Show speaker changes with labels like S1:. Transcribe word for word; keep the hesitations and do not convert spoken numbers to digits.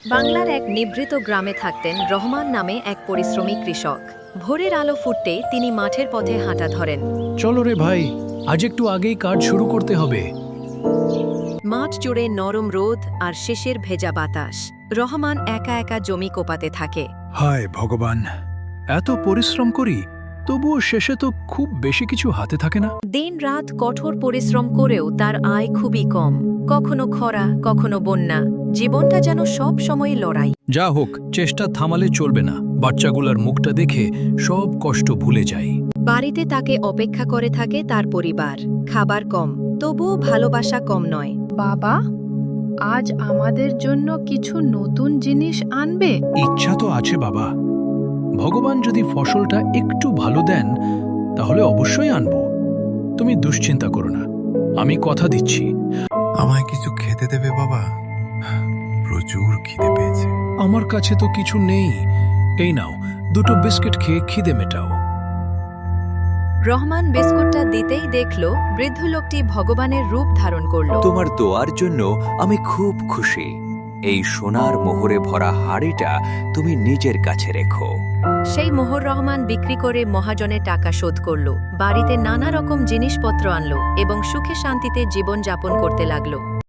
S1: বাংলার এক নিভৃত গ্রামে থাকতেন রহমান নামে এক পরিশ্রমী কৃষক। ভোরের আলো ফুটতেই তিনি মাঠের পথে হাঁটা ধরেন।
S2: চলো রে ভাই, আজ একটু আগেই কাজ শুরু করতে হবে।
S1: মাঠ জুড়ে নরম রোদ আর শেষের ভেজা বাতাস। রহমান একা একা জমি কোপাতে থাকে।
S2: হায় ভগবান, এত পরিশ্রম করি, তবুও শেষে তো খুব বেশি কিছু হাতে থাকে না।
S1: দিন রাত কঠোর পরিশ্রম করেও তার আয় খুবই কম। কখনো খরা, কখনো বন্যা, জীবনটা যেন সব সময় লড়াই।
S2: যা হোক, চেষ্টা থামালে চলবে না। বাচ্চাগুলার মুখটা দেখে সব কষ্ট ভুলে যাই।
S1: বাড়িতে তাকে অপেক্ষা করে থাকে তার পরিবার। খাবার কম, তবুও ভালোবাসা কম নয়।
S3: বাবা, আজ আমাদের জন্য কিছু নতুন জিনিস আনবে?
S2: ইচ্ছা তো আছে বাবা, ভগবান যদি ফসলটা একটু ভালো দেন তাহলে অবশ্যই আনব। তুমি দুশ্চিন্তা করো না, আমি কথা দিচ্ছি।
S4: আমায় কিছু খেতে দেবে বাবা? প্রচুর খিদে পেয়েছে।
S2: আমার কাছে তো কিছু নেই, এই নাও দুটো বিস্কিট খেয়ে খিদে মেটাও।
S1: রহমান বিস্কুটটা দিতেই দেখল বৃদ্ধ লোকটি ভগবানের রূপ ধারণ করল।
S5: তোমার দোয়ার জন্য আমি খুব খুশি। এই সোনার মোহরে ভরা হাড়িটা তুমি নিজের কাছে রেখো।
S1: সেই মোহর রহমান বিক্রি করে মহাজনের টাকা শোধ করল, বাড়িতে নানা রকম জিনিসপত্র আনলো এবং সুখে শান্তিতে জীবন যাপন করতে লাগলো।